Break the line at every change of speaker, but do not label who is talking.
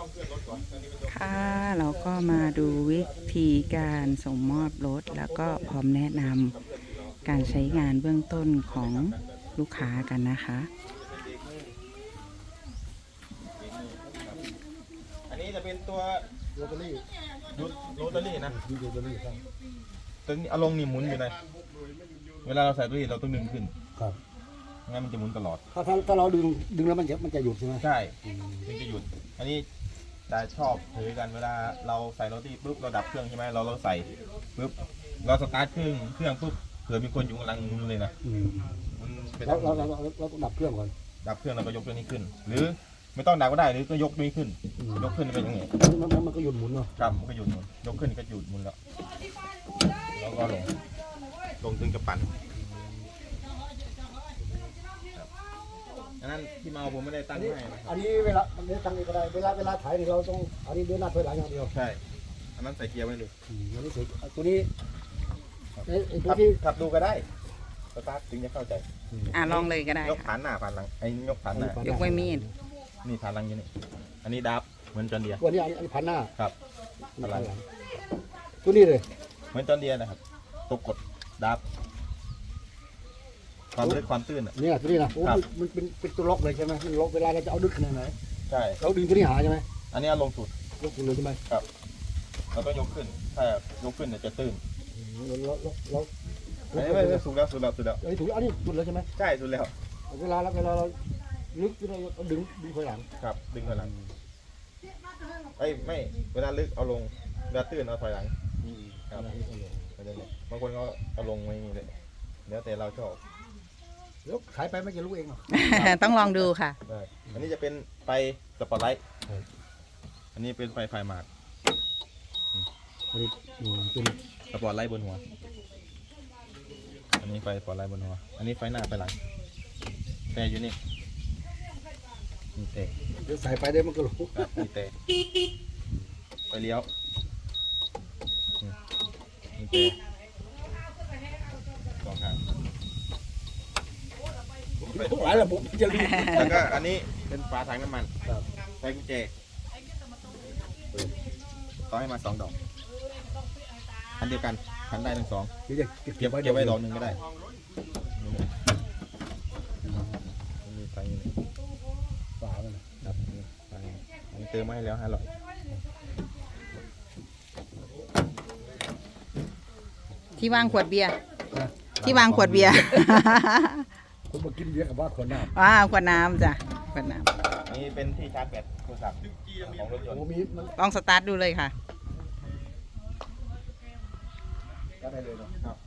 ค่ะเราก็มาดูวิธีการส่งมอบรถแล้วก็พร้อมแนะนำการใช้งานเบื้องต้นของลูกค้ากันนะคะ
อันนี้จะเป็นตัว
โรตารี่
โรตารี่นะ
มีโรตารี่ครับ
ตัวนี้เอาลงนี่หมุนอยู่นะเวลาเราใส่ตัวนี้เราต้องดึงขึ้น
ครับ
งั้นมันจะหมุนตลอด
ถ้าเราดึงแล้วมันจะหยุดใช่ไหม
ใช่ถึงจะหยุดอันนี้จะชอบถือกันเวลาเราใส่โรตีปุ๊บเราดับเครื่องใช่ไหมเราใส่ปุ๊บเราสตาร์ทเครื่องปุ๊บเผื่อมีคนอยู่กำลังหมุนเลยนะมันเป็น
เราต้องดับเครื่องก่อน
ดับเครื่องเราก็ยกตัวนี้ขึ้น หรือไม่ต้องดับก็ได้หรือก็ยกตัวนี้ขึ้น ยกขึ้นเป็นยังไง
มันก็หยุดหมุนเนาะ
ครับมันก็หยุดหมุนยกขึ้นก็หยุดหมุนแล้วแล้วก็ลงถึงจะปั่นครับอันนั้นที่เมาผมไม่ได้ตั้งให้นะครับ
อันนี้เวลามันได้ตั้งเองก็ได้เวลาถ่ายนี่เราต้องอันนี้เดินหน้าถอยหลังอย่างเดียว
ใช่อันนั้นใส่เกียร์ไว้เลย
อันนี้เสร็จตัวนี้ไอ้ตัว
ขับ
ที่
ขับดูก็ได้สตาร์ทถึงจะเข้าใจ
ลองเลยก็ได้
ยกฐานหน้าผ่านหลังไอ้ยกฐานหน้าย
กไว้มีด
นี่ฐานหลังอยู่นี่อันนี้ดับเหมือนจอนเดียร์
ตัวนี้อันนี้พันหน้า
ครับ
พันหลังตัวนี้เลย
เหมือนจอนเดียร์นะครับตัวกดดับความลึกความตื้นอ่ะ
เนี่ยตัวนี้นะโอ้
ครับ
มันเป็นตัวล็อกเลยใช่ไหมมันล็อกเวลาเราจะเอาดึกขนาดไหน
ใช่
เราดึงตัวนี้หาใช่ไหม
อันนี้เอาลงสุด
ยกเลยใช่ไหม
ครับเราต้องยกขึ้นถ้ายกขึ้นเนี่ยจะตื้น
เรา
ไม่สุดแล้วสุดแล้วสุดแล้ว
อันนี้ถูกอันนี้สุดแล้วใช่ไหม
ใช่สุดแล้ว
เวลาเราลึกเราดึงถอยหลัง
ครับดึงถอยหลังไอ้ยไม่เวลาลึกเอาลงเวลาตื้นเอาถอยหลังครับไม่ได้เลยบางคนก็เอาลงไว้นี่เลยแล้วแต่เราชอบ
แล้วขายไปไม่จะรู้เองหรอ
ต้องลองดูค่ะ
ได้อันนี้จะเป็นไฟสปอตไลท์อันนี้เป็นไฟหมาก
อันนี้เป็น
สปอตไลท์บนหัวอันนี้ไฟสปอตไลท์บนหัวอันนี้ไฟหน้าไฟหลังแต่อยู่นี่นี่เตะ
เดี๋ยวใส่ไปได้มันก็รู้
ครับนี่เตะไฟเลี้ยวนี่เตะสองข้าง
หลายระบบจะรู้
แล้วก็อันนี้เป็นฝาถังน้ำมัน
ครับ
ใส่กุญแจต่อให้มา2 ดอกอันเดียวกันคันได้ทั้ง 2
เดี๋ยวจะ
เก็บไว้ดอกหนึ่งก็ได้มีไฟอยู่นี่
ฝาเลย
ครับนี่ไฟอันนี้เติมมาให้แล้ว500
ที่วางขวดเบียร์ที่วางขวดเบียร์
คนมากินเบียร์กับว่าคนหน้า
ขวดน้ำจ้ะขวดน้
นี่เป็นที่ชาร์จแบตโทรศัพท์ของรถยนต์
โอ้มีมัน
ำลองสตาร์ทดูเลยค่ะ
ก็ได้เลยเนาะ
ครับ